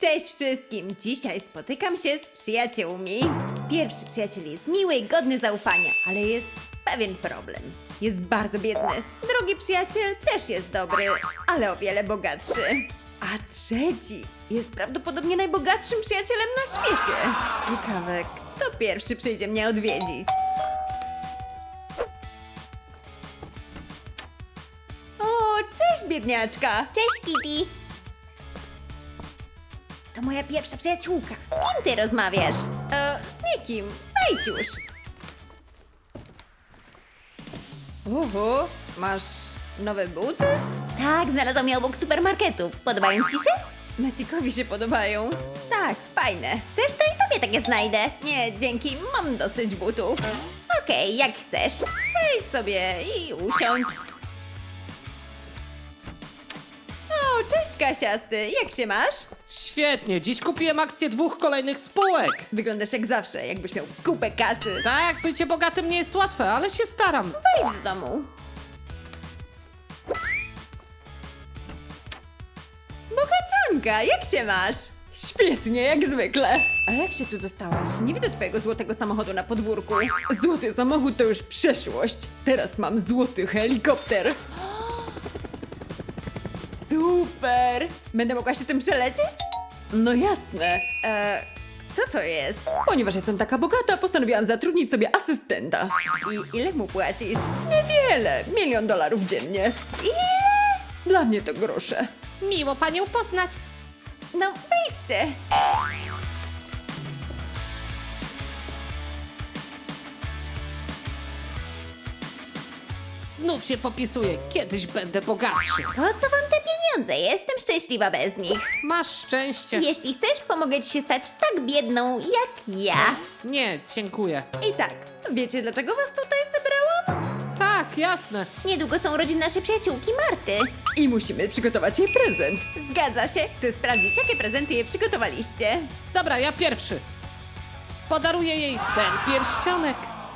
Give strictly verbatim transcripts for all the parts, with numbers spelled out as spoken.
Cześć wszystkim! Dzisiaj spotykam się z przyjaciółmi. Pierwszy przyjaciel jest miły, godny zaufania, ale jest pewien problem. Jest bardzo biedny. Drugi przyjaciel też jest dobry, ale o wiele bogatszy. A trzeci jest prawdopodobnie najbogatszym przyjacielem na świecie. Ciekawe, kto pierwszy przyjdzie mnie odwiedzić. O, cześć biedniaczka! Cześć, Kitty! To moja pierwsza przyjaciółka. Z kim ty rozmawiasz? E, z nikim. Wejdź już. Uhu, masz nowe buty? Tak, znalazłam je obok supermarketu. Podobają ci się? Metikowi się podobają. Tak, fajne. Chcesz, to i tobie takie znajdę. Nie, dzięki, mam dosyć butów. Okej, jak chcesz. Wejdź sobie i usiądź. O, cześć Kasiasty, jak się masz? Świetnie, dziś kupiłem akcję dwóch kolejnych spółek. Wyglądasz jak zawsze, jakbyś miał kupę kasy. Tak, bycie bogatym nie jest łatwe, ale się staram. Wejdź do domu. Bogacianka, jak się masz? Świetnie, jak zwykle. A jak się tu dostałaś? Nie widzę twojego złotego samochodu na podwórku. Złoty samochód to już przeszłość. Teraz mam złoty helikopter. Super! Będę mogła się tym przelecieć? No jasne. E, kto to jest? Ponieważ jestem taka bogata, postanowiłam zatrudnić sobie asystenta. I ile mu płacisz? Niewiele. Milion dolarów dziennie. Ile? Dla mnie to grosze. Miło panią poznać. No, wejdźcie. Znów się popisuję, kiedyś będę bogatszy. Po co wam te pieniądze? Jestem szczęśliwa bez nich. Masz szczęście. Jeśli chcesz, pomogę ci się stać tak biedną jak ja. Nie, dziękuję. I tak, wiecie dlaczego was tutaj zebrałam? Tak, jasne. Niedługo są urodziny naszej przyjaciółki Marty. I musimy przygotować jej prezent. Zgadza się. Chcę sprawdzić, jakie prezenty jej przygotowaliście. Dobra, ja pierwszy. Podaruję jej ten pierścionek.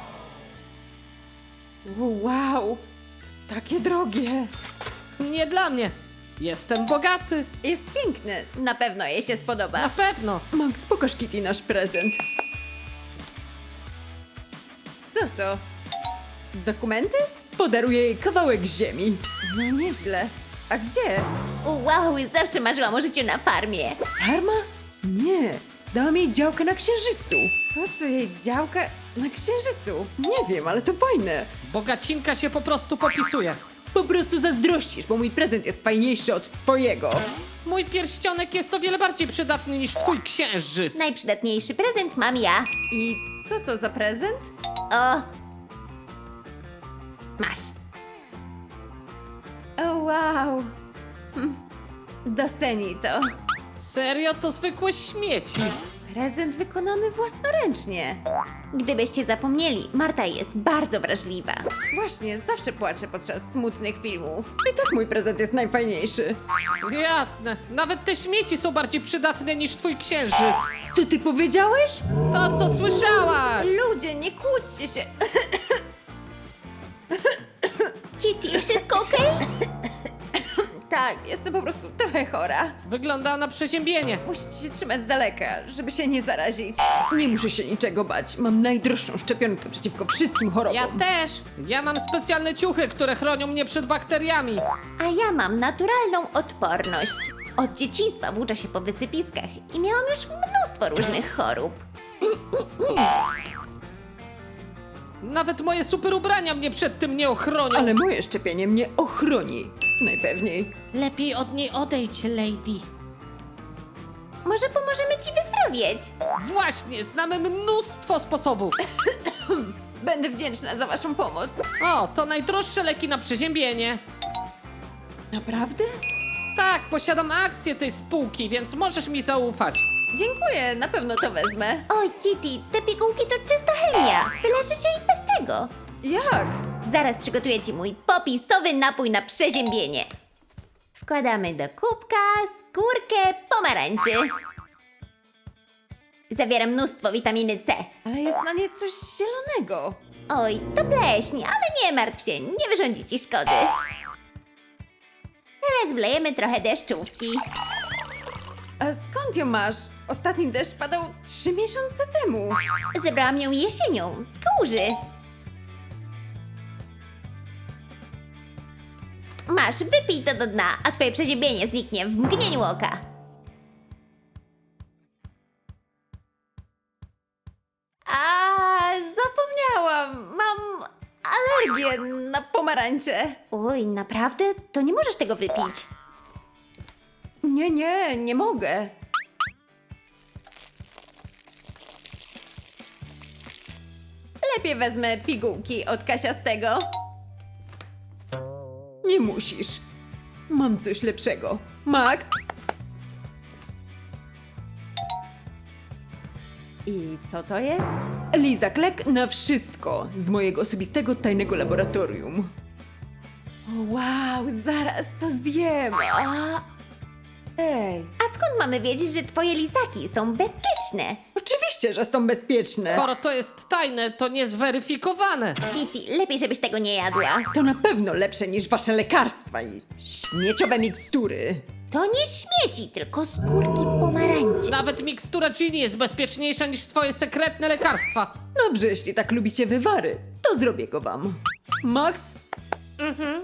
Wow, to takie drogie. Nie dla mnie. Jestem bogaty. Jest piękny. Na pewno jej się spodoba. Na pewno. Max, pokaż Kitty nasz prezent. Co to? Dokumenty? Podaruję jej kawałek ziemi. No nieźle. A gdzie? Wow, zawsze marzyłam o życiu na farmie. Farma? Nie. Dałam jej działkę na Księżycu. Po co jej działka na Księżycu? Nie wiem, ale to fajne. Bogacinka się po prostu popisuje. Po prostu zazdrościsz, bo mój prezent jest fajniejszy od twojego. Mój pierścionek jest o wiele bardziej przydatny niż twój księżyc. Najprzydatniejszy prezent mam ja. I co to za prezent? O! Masz. O wow. Hm. Doceni to. Serio, to zwykłe śmieci. Prezent wykonany własnoręcznie. Gdybyście zapomnieli, Marta jest bardzo wrażliwa. Właśnie, zawsze płaczę podczas smutnych filmów. I tak mój prezent jest najfajniejszy. Jasne, nawet te śmieci są bardziej przydatne niż twój księżyc. Co ty powiedziałeś? To, co słyszałaś! Ludzie, nie kłóćcie się. Kitty, wszystko okej? Tak, jestem po prostu trochę chora. Wygląda na przeziębienie. Musicie się trzymać z daleka, żeby się nie zarazić. Nie muszę się niczego bać. Mam najdroższą szczepionkę przeciwko wszystkim chorobom. Ja też. Ja mam specjalne ciuchy, które chronią mnie przed bakteriami. A ja mam naturalną odporność. Od dzieciństwa włóczę się po wysypiskach i miałam już mnóstwo różnych chorób. Nawet moje super ubrania mnie przed tym nie ochronią. Ale moje szczepienie mnie ochroni. Najpewniej. Lepiej od niej odejdź, lady. Może pomożemy ci wyzdrowieć? Właśnie, znamy mnóstwo sposobów. Będę wdzięczna za waszą pomoc. O, to najdroższe leki na przeziębienie. Naprawdę? Tak, posiadam akcję tej spółki, więc możesz mi zaufać. Dziękuję, na pewno to wezmę. Oj, Kitty, te pigułki to czysta chemia. Wyleczycie i bez tego. Jak? Zaraz przygotuję ci mój popisowy napój na przeziębienie. Wkładamy do kubka skórkę pomarańczy. Zawiera mnóstwo witaminy C. Ale jest na nie coś zielonego. Oj, to pleśń, ale nie martw się, nie wyrządzi ci szkody. Teraz wlejemy trochę deszczówki. A skąd ją masz? Ostatni deszcz padał trzy miesiące temu. Zebrałam ją jesienią z kałuży. Masz, wypij to do dna, a twoje przeziębienie zniknie w mgnieniu oka. A zapomniałam. Mam alergię na pomarańcze. Oj, naprawdę? To nie możesz tego wypić. Nie, nie, nie mogę. Lepiej wezmę pigułki od Kasiastego. Nie musisz. Mam coś lepszego. Max? I co to jest? Liza Klek na wszystko z mojego osobistego tajnego laboratorium. O, wow, zaraz to zjem. A... Ej, A skąd mamy wiedzieć, że twoje lizaki są bezpieczne? oczywiście, że są bezpieczne. Skoro to jest tajne, to niezweryfikowane. Kitty, lepiej żebyś tego nie jadła. To na pewno lepsze niż wasze lekarstwa i śmieciowe mikstury. To nie śmieci, tylko skórki pomarańczy. Nawet mikstura Ginny jest bezpieczniejsza niż twoje sekretne lekarstwa. Dobrze, jeśli tak lubicie wywary, to zrobię go wam. Max? Mhm.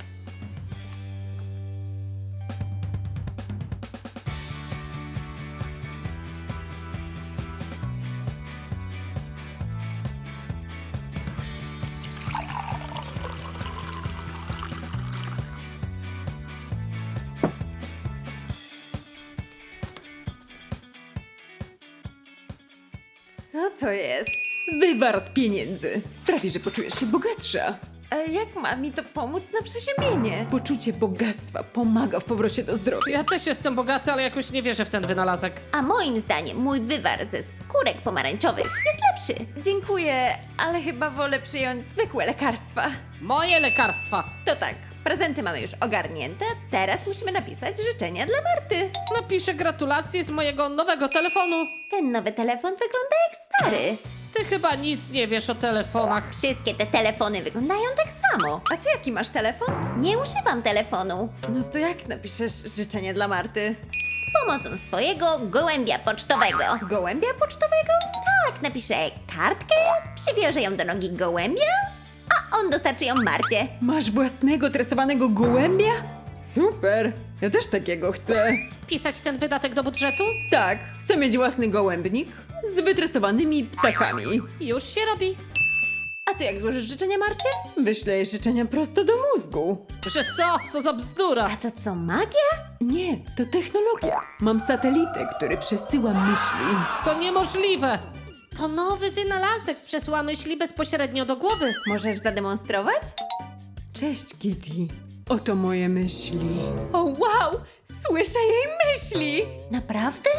Co to jest? Wywar z pieniędzy. Sprawi, że poczujesz się bogatsza. A jak ma mi to pomóc na przeziębienie? Poczucie bogactwa pomaga w powrocie do zdrowia. Ja też jestem bogaty, ale jakoś nie wierzę w ten wynalazek. A moim zdaniem mój wywar ze skórek pomarańczowych jest lepszy. Dziękuję, ale chyba wolę przyjąć zwykłe lekarstwa. Moje lekarstwa. To tak, prezenty mamy już ogarnięte, teraz musimy napisać życzenia dla Marty. Napiszę gratulacje z mojego nowego telefonu. Ten nowy telefon wygląda jak stary. Ty chyba nic nie wiesz o telefonach. Wszystkie te telefony wyglądają tak samo. A ty jaki masz telefon? Nie używam telefonu. No to jak napiszesz życzenie dla Marty? Z pomocą swojego gołębia pocztowego. Gołębia pocztowego? Tak, napiszę kartkę, przywiążę ją do nogi gołębia, a on dostarczy ją Marcie. Masz własnego tresowanego gołębia? Super! Ja też takiego chcę. Wpisać ten wydatek do budżetu? Tak, chcę mieć własny gołębnik z wytresowanymi ptakami. Już się robi. A ty jak złożysz życzenia Marcie? Wyślę jej życzenia prosto do mózgu. Że co? Co za bzdura? A to co, magia? Nie, to technologia. Mam satelitę, który przesyła myśli. To niemożliwe. To nowy wynalazek przesyła myśli bezpośrednio do głowy. Możesz zademonstrować? Cześć, Kitty. Oto moje myśli. O wow! Słyszę jej myśli! Naprawdę?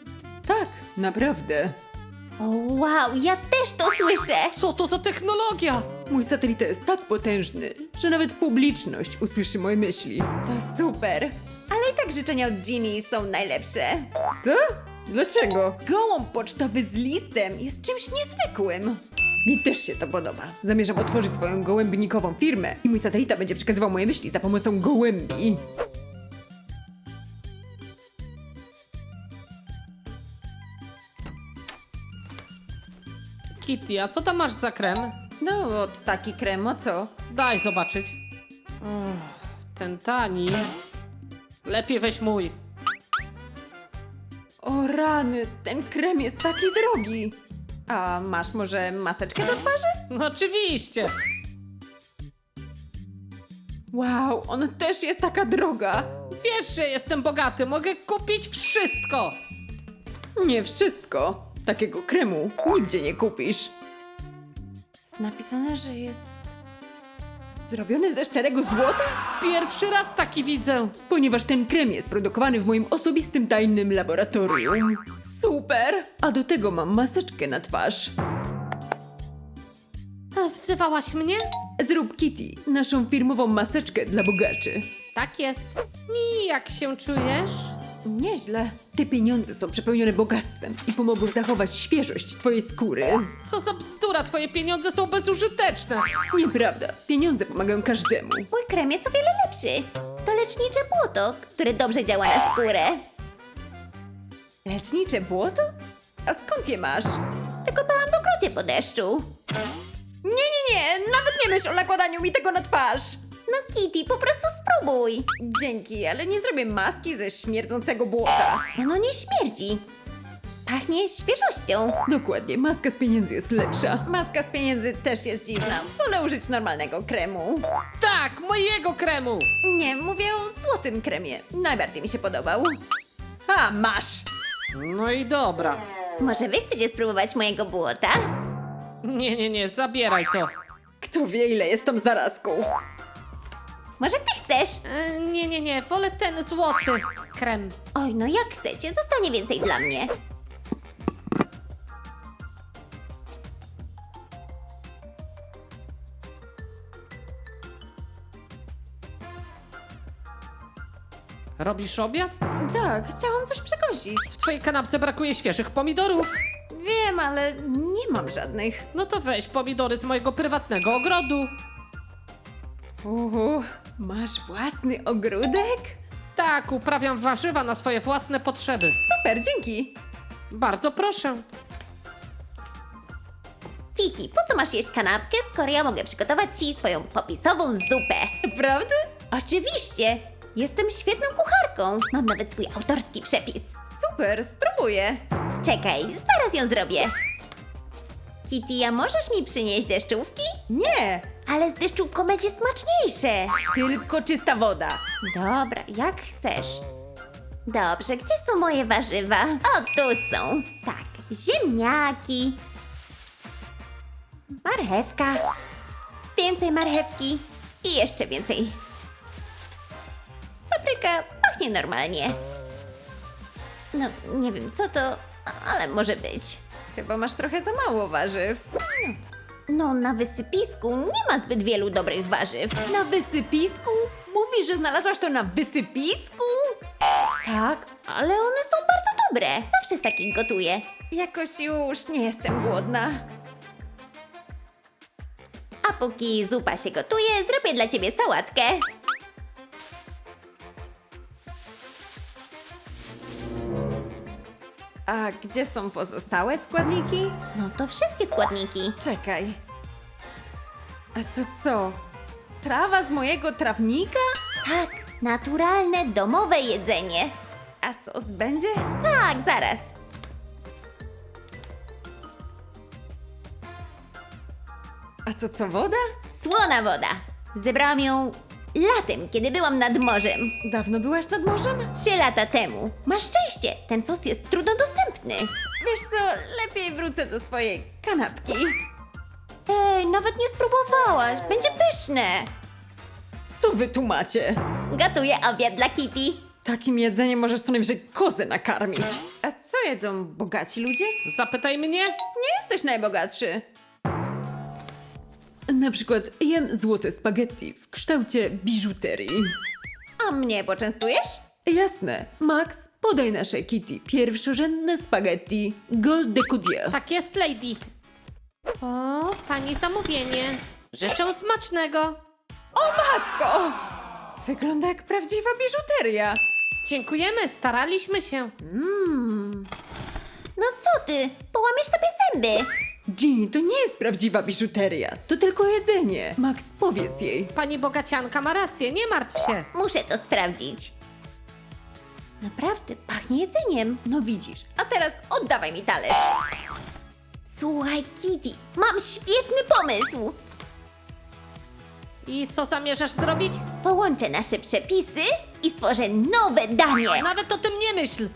Tak, naprawdę. O wow, ja też to słyszę! Co to za technologia? Mój satelita jest tak potężny, że nawet publiczność usłyszy moje myśli. To super! Ale i tak życzenia od Ginny są najlepsze. Co? Dlaczego? Gołąb pocztowy z listem jest czymś niezwykłym. Mi też się to podoba. Zamierzam otworzyć swoją gołębnikową firmę i mój satelita będzie przekazywał moje myśli za pomocą gołębi. Kitty, a co tam masz za krem? No, od taki krem, o co? Daj zobaczyć. Uff, ten tani. Lepiej weź mój. O rany, ten krem jest taki drogi. A masz może maseczkę do twarzy? No oczywiście. Wow, ona też jest taka droga. Wiesz, że jestem bogaty, mogę kupić wszystko. Nie wszystko. Takiego kremu nigdzie nie kupisz. Jest napisane, że jest zrobiony ze szczerego złota? Pierwszy raz taki widzę. Ponieważ ten krem jest produkowany w moim osobistym tajnym laboratorium. Super! A do tego mam maseczkę na twarz. E, Wzywałaś mnie? Zrób Kitty naszą firmową maseczkę dla bogaczy. Tak jest. I jak się czujesz? Nieźle. Te pieniądze są przepełnione bogactwem i pomogą zachować świeżość twojej skóry. Co za bzdura, twoje pieniądze są bezużyteczne. Nieprawda. Pieniądze pomagają każdemu. Mój krem jest o wiele lepszy. To lecznicze błoto, które dobrze działa na skórę. Lecznicze błoto? A skąd je masz? Wykopałam w ogrodzie po deszczu. Nie, nie, nie, nawet nie myśl o nakładaniu mi tego na twarz. No Kitty, po prostu spróbuj. Dzięki, ale nie zrobię maski ze śmierdzącego błota. Ono nie śmierdzi. Pachnie świeżością. Dokładnie, maska z pieniędzy jest lepsza. Maska z pieniędzy też jest dziwna. Wolę użyć normalnego kremu. Tak, mojego kremu! Nie, mówię o złotym kremie. Najbardziej mi się podobał. A, masz! No i dobra. Może wy chcecie spróbować mojego błota? Nie, nie, nie, zabieraj to. Kto wie, ile jest tam zarazków? Może ty chcesz? E, nie, nie, nie, wolę ten złoty krem. Oj, no jak chcecie, zostanie więcej dla mnie. Robisz obiad? Tak, chciałam coś przekąsić. W twojej kanapce brakuje świeżych pomidorów. Wiem, ale nie mam żadnych. No to weź pomidory z mojego prywatnego ogrodu. Uhu, masz własny ogródek? Tak, uprawiam warzywa na swoje własne potrzeby. Super, dzięki. Bardzo proszę. Kitty, po co masz jeść kanapkę, skoro ja mogę przygotować ci swoją popisową zupę? Prawda? Oczywiście! Jestem świetną kucharką. Mam nawet swój autorski przepis. Super, spróbuję. Czekaj, zaraz ją zrobię. Kitty, a możesz mi przynieść deszczówki? Nie, Ale z deszczówką będzie smaczniejsze. tylko czysta woda. Dobra, jak chcesz. Dobrze, gdzie są moje warzywa? O, tu są. Tak, ziemniaki. Marchewka. Więcej marchewki. I jeszcze więcej. Papryka pachnie normalnie. No, nie wiem co to, ale może być. Chyba masz trochę za mało warzyw. No, na wysypisku nie ma zbyt wielu dobrych warzyw. Na wysypisku? Mówisz, że znalazłaś to na wysypisku? Tak, ale one są bardzo dobre. Zawsze z takich gotuję. Jakoś już nie jestem głodna. A póki zupa się gotuje, zrobię dla ciebie sałatkę. A gdzie są pozostałe składniki? No to wszystkie składniki. Czekaj. A to co? Trawa z mojego trawnika? Tak, naturalne, domowe jedzenie. A sos będzie? Tak, zaraz. A to co, woda? Słona woda. Zebrałam ją latem, kiedy byłam nad morzem. Dawno byłaś nad morzem? Trzy lata temu. Masz szczęście, ten sos jest trudno dostępny. Wiesz co, lepiej wrócę do swojej kanapki. Ej, nawet nie spróbowałaś. Będzie pyszne. Co wy tu macie? Gotuję obiad dla Kitty. Takim jedzeniem możesz co najwyżej kozę nakarmić. A co jedzą bogaci ludzie? Zapytaj mnie. Nie jesteś najbogatszy. Na przykład jem złote spaghetti w kształcie biżuterii. A mnie poczęstujesz? Jasne. Max, podaj naszej Kitty pierwszorzędne spaghetti Gold de Coudier. Tak jest, lady. O, pani zamówienie. Życzę smacznego. O matko! Wygląda jak prawdziwa biżuteria. Dziękujemy, staraliśmy się. No co ty? Połamiesz sobie zęby. Ginny, to nie jest prawdziwa biżuteria. To tylko jedzenie. Max, powiedz jej. Pani bogacianka ma rację, nie martw się. Muszę to sprawdzić. Naprawdę, pachnie jedzeniem. No widzisz. A teraz oddawaj mi talerz. Słuchaj, Kitty, mam świetny pomysł. I co zamierzasz zrobić? Połączę nasze przepisy i stworzę nowe danie. Nawet o tym nie myśl.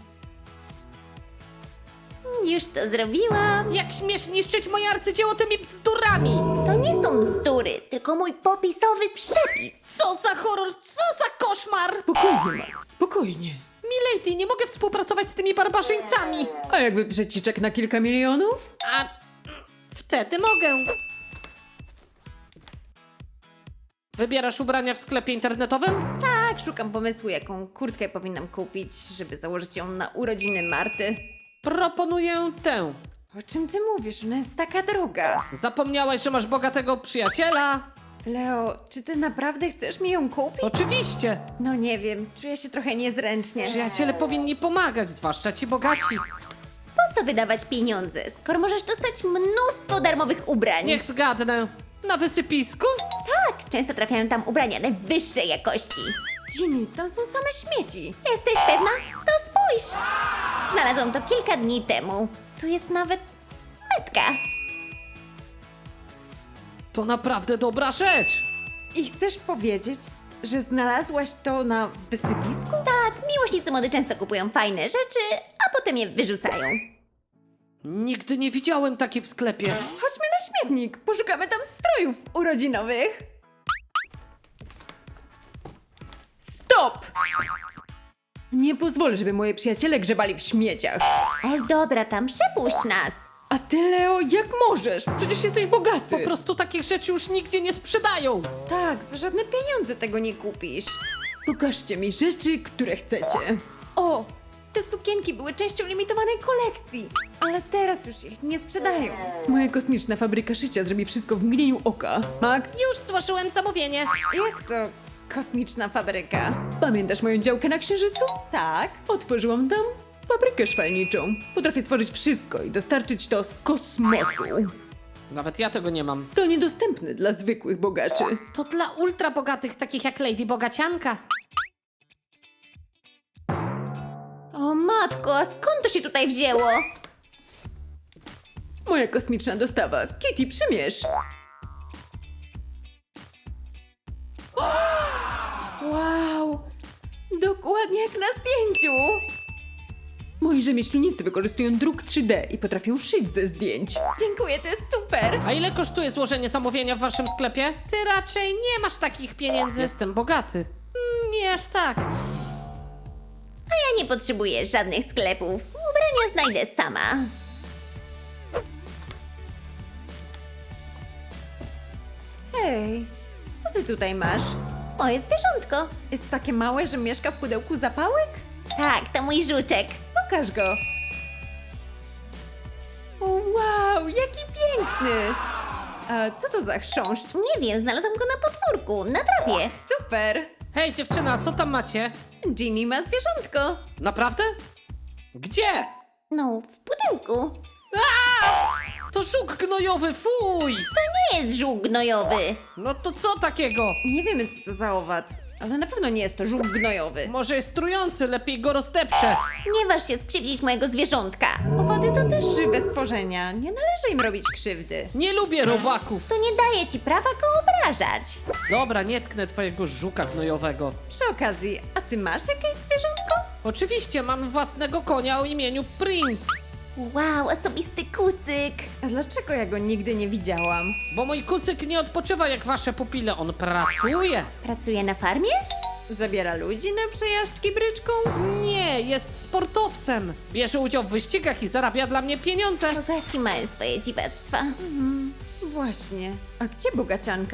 Już to zrobiłam. Jak śmiesz niszczyć moje arcydzieło tymi bzdurami? To nie są bzdury, tylko mój popisowy przepis. Co za horror, co za koszmar! Spokojnie, Max, spokojnie. Milady, nie mogę współpracować z tymi barbarzyńcami. A jakby przeciczek na kilka milionów? A wtedy mogę. Wybierasz ubrania w sklepie internetowym? Tak, szukam pomysłu, jaką kurtkę powinnam kupić, żeby założyć ją na urodziny Marty. Proponuję tę. O czym ty mówisz? Ona jest taka droga. Zapomniałaś, że masz bogatego przyjaciela? Leo, czy ty naprawdę chcesz mi ją kupić? Oczywiście! No nie wiem, czuję się trochę niezręcznie. Przyjaciele powinni pomagać, zwłaszcza ci bogaci. Po co wydawać pieniądze, skoro możesz dostać mnóstwo darmowych ubrań? Niech zgadnę. Na wysypisku? Tak, często trafiają tam ubrania najwyższej jakości. Ginny, tam są same śmieci. Jesteś pewna? To spójrz! Znalazłam to kilka dni temu. Tu jest nawet metka. To naprawdę dobra rzecz. I chcesz powiedzieć, że znalazłaś to na wysypisku? Tak, miłośnicy mody często kupują fajne rzeczy, a potem je wyrzucają. Nigdy nie widziałem takiej w sklepie. Chodźmy na śmietnik, poszukamy tam strojów urodzinowych. Stop! Nie pozwolę, żeby moi przyjaciele grzebali w śmieciach. Ej, dobra, tam przepuść nas. A ty, Leo, jak możesz? Przecież jesteś bogaty. Po prostu takich rzeczy już nigdzie nie sprzedają. Tak, za żadne pieniądze tego nie kupisz. Pokażcie mi rzeczy, które chcecie. O, te sukienki były częścią limitowanej kolekcji, ale teraz już ich nie sprzedają. Moja kosmiczna fabryka szycia zrobi wszystko w mgnieniu oka. Max, Już złożyłem zamówienie. jak to kosmiczna fabryka? Pamiętasz moją działkę na Księżycu? Tak. Otworzyłam tam fabrykę szwalniczą. Potrafię stworzyć wszystko i dostarczyć to z kosmosu. Nawet ja tego nie mam. To niedostępne dla zwykłych bogaczy. To dla ultra bogatych, takich jak Lady Bogacianka. O matko, a skąd to się tutaj wzięło? Moja kosmiczna dostawa. Kitty, przymierz! Wow! Dokładnie jak na zdjęciu! Moi rzemieślnicy wykorzystują druk trzy D i potrafią szyć ze zdjęć. Dziękuję, to jest super! A ile kosztuje złożenie zamówienia w waszym sklepie? Ty raczej nie masz takich pieniędzy. Jestem bogaty. Mm, nie aż tak. Ja nie potrzebuję żadnych sklepów. Ubrania znajdę sama. Hej, co ty tutaj masz? Moje zwierzątko. Jest takie małe, że mieszka w pudełku zapałek? Tak, to mój żuczek. Pokaż go! O, wow, jaki piękny! A co to za chrząszcz? Nie wiem, znalazłam go na podwórku, na trawie. Super! Hej dziewczyna, co tam macie? Ginny ma zwierzątko. Naprawdę? Gdzie? No, w pudełku. To żuk gnojowy, fuj! To nie jest żółk gnojowy. No to co takiego? Nie wiemy, co to za owad, ale na pewno nie jest to żółk gnojowy. Może jest trujący, lepiej go roztepczę. Nie waż się skrzywdzić mojego zwierzątka. Owady to też żywe stworzenia. Nie należy im robić krzywdy. Nie lubię robaków. To nie daje ci prawa go obrażać. Dobra, nie tknę twojego żuka gnojowego. Przy okazji, a ty masz jakieś zwierzątko? Oczywiście, mam własnego konia o imieniu Prince. Wow, osobisty kucyk. A dlaczego ja go nigdy nie widziałam? Bo mój kucyk nie odpoczywa jak wasze pupile, on pracuje. Pracuje na farmie? Zabiera ludzi na przejażdżki bryczką? Nie, jest sportowcem. Bierze udział w wyścigach i zarabia dla mnie pieniądze. Bogaci mają swoje dziwactwa. Właśnie. A gdzie bogacianka?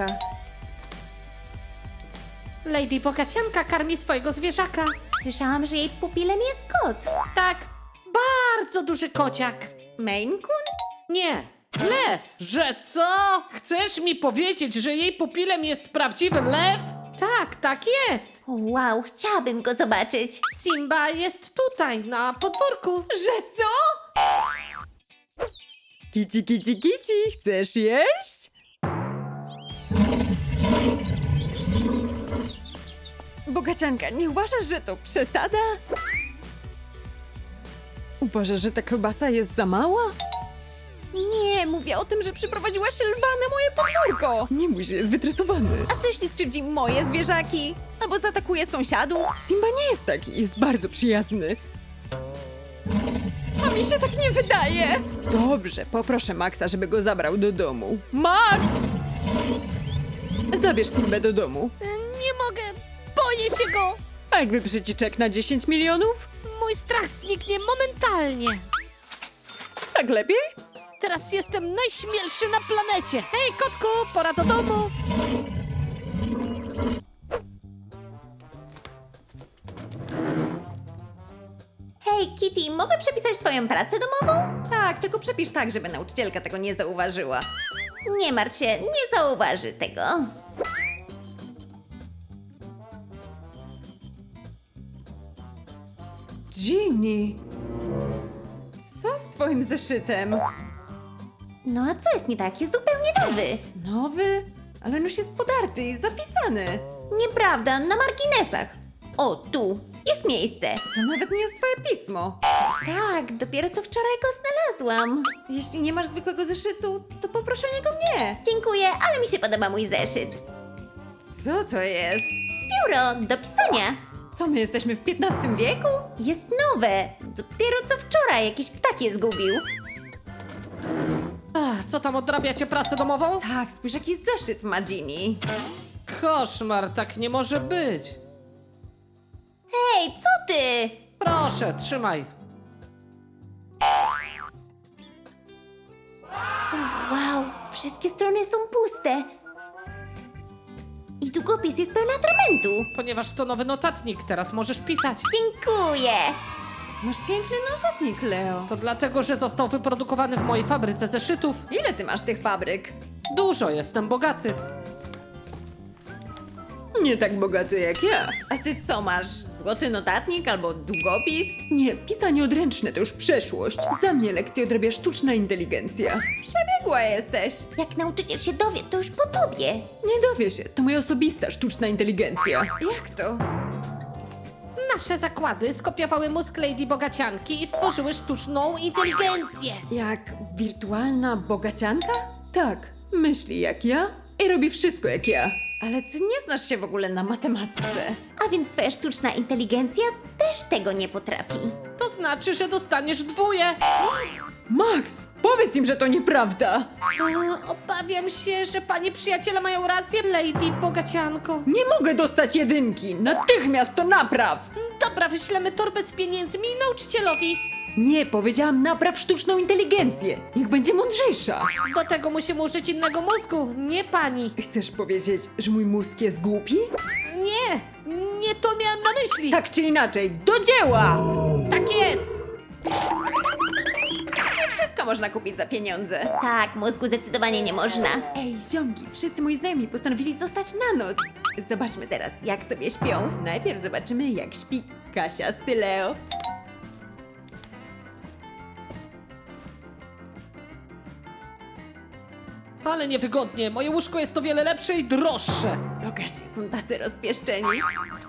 Lady Bogacianka karmi swojego zwierzaka. Słyszałam, że jej pupilem jest kot. Tak, bardzo duży kociak. Maine Coon? Nie, lew. Że co? Chcesz mi powiedzieć, że jej pupilem jest prawdziwy lew? Tak, tak jest. Wow, chciałabym go zobaczyć. Simba jest tutaj, na podwórku. Że co? Kici, kici, kici, chcesz jeść? Bogacianka, nie uważasz, że to przesada? Uważasz, że ta kiełbasa jest za mała? Nie, mówię o tym, że przyprowadziłaś lwa na moje podwórko. Nie mój, że jest wytresowany. A co jeśli skrzywdzi moje zwierzaki? Albo zaatakuje sąsiadów? Simba nie jest taki, jest bardzo przyjazny. A mi się tak nie wydaje. Dobrze, poproszę Maxa, żeby go zabrał do domu. Max! Zabierz Simbę do domu. Nie mogę, boję się go. A jak wyprzeci czek na dziesięć milionów? Mój strach zniknie momentalnie. Tak lepiej? Teraz jestem najśmielszy na planecie. Hej, kotku, pora do domu. Hej, Kitty, mogę przepisać twoją pracę domową? Tak, tylko przepisz tak, żeby nauczycielka tego nie zauważyła. Nie martw się, nie zauważy tego. Ginny, co z twoim zeszytem? No a co jest nie tak? Jest zupełnie nowy. Nowy? Ale on już jest podarty i zapisany. Nieprawda, na marginesach. O, tu. Jest miejsce. To nawet nie jest twoje pismo. Tak, dopiero co wczoraj go znalazłam. Jeśli nie masz zwykłego zeszytu, to poproszę o niego mnie. Dziękuję, ale mi się podoba mój zeszyt. Co to jest? Biuro do pisania. Co, my jesteśmy w piętnastym wieku? Jest nowe. Dopiero co wczoraj jakiś ptak je zgubił. Ach, co tam, odrabiacie pracę domową? Tak, spójrz jaki zeszyt ma Ginny. Koszmar, tak nie może być. Hej, co ty? Proszę, trzymaj. Wow, wszystkie strony są puste. I długopis jest pełen atramentu. Ponieważ to nowy notatnik, teraz możesz pisać. Dziękuję. Masz piękny notatnik, Leo. To dlatego, że został wyprodukowany w mojej fabryce zeszytów. Ile ty masz tych fabryk? Dużo, jestem bogaty. Nie tak bogaty jak ja. A ty co masz? Złoty notatnik albo długopis? Nie, pisanie odręczne to już przeszłość. Za mnie lekcję odrabia sztuczna inteligencja. Przebiegła jesteś. Jak nauczyciel się dowie, to już po tobie. Nie dowie się, to moja osobista sztuczna inteligencja. Jak to? Nasze zakłady skopiowały mózg Lady Bogacianki i stworzyły sztuczną inteligencję. Jak wirtualna bogacianka? Tak, myśli jak ja i robi wszystko jak ja. Ale ty nie znasz się w ogóle na matematyce. A więc twoja sztuczna inteligencja też tego nie potrafi. To znaczy, że dostaniesz dwóje. Max, powiedz im, że to nieprawda. A, obawiam się, że pani przyjaciele mają rację, Lady Bogacianko. Nie mogę dostać jedynki. Natychmiast to napraw. Dobra, wyślemy torbę z pieniędzmi nauczycielowi. Nie, powiedziałam napraw sztuczną inteligencję. Niech będzie mądrzejsza. Do tego musimy użyć innego mózgu, nie pani. Chcesz powiedzieć, że mój mózg jest głupi? Nie, nie to miałam na myśli. Tak czy inaczej, do dzieła! Tak jest. Nie wszystko można kupić za pieniądze. Tak, mózgu zdecydowanie nie można. Ej, ziomki, wszyscy moi znajomi postanowili zostać na noc. Zobaczmy teraz, jak sobie śpią. Najpierw zobaczymy, jak śpi Kasia z Tyleo. Ale niewygodnie, moje łóżko jest o wiele lepsze i droższe. Bogaci są tacy rozpieszczeni.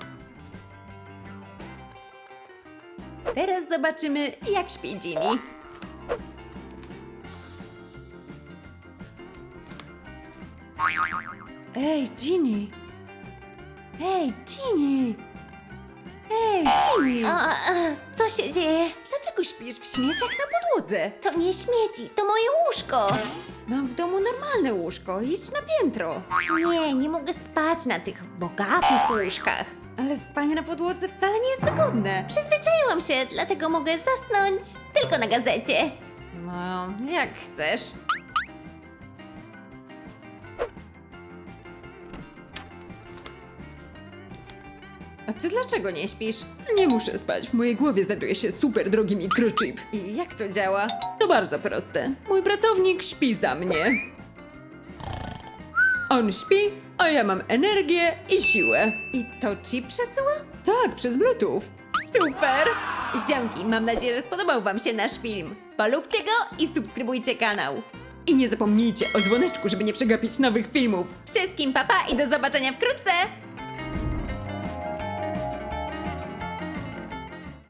Teraz zobaczymy, jak śpi Ginny. Ej, Ginny! Ej, Ginny! Ej, Ginny! A, a, co się dzieje? Dlaczego śpisz w śmieciach na podłodze? To nie śmieci, to moje łóżko. Mam w domu normalne łóżko, idź na piętro. Nie, nie mogę spać na tych bogatych łóżkach. Ale spanie na podłodze wcale nie jest wygodne. Przyzwyczaiłam się, dlatego mogę zasnąć tylko na gazecie. No, jak chcesz. A ty dlaczego nie śpisz? Nie muszę spać, w mojej głowie znajduje się super drogi mikrochip. I jak to działa? To bardzo proste. Mój pracownik śpi za mnie. On śpi, a ja mam energię i siłę. I to chip przesyła? Tak, przez Bluetooth. Super! Ziomki, mam nadzieję, że spodobał wam się nasz film. Polubcie go i subskrybujcie kanał. I nie zapomnijcie o dzwoneczku, żeby nie przegapić nowych filmów. Wszystkim papa i do zobaczenia wkrótce!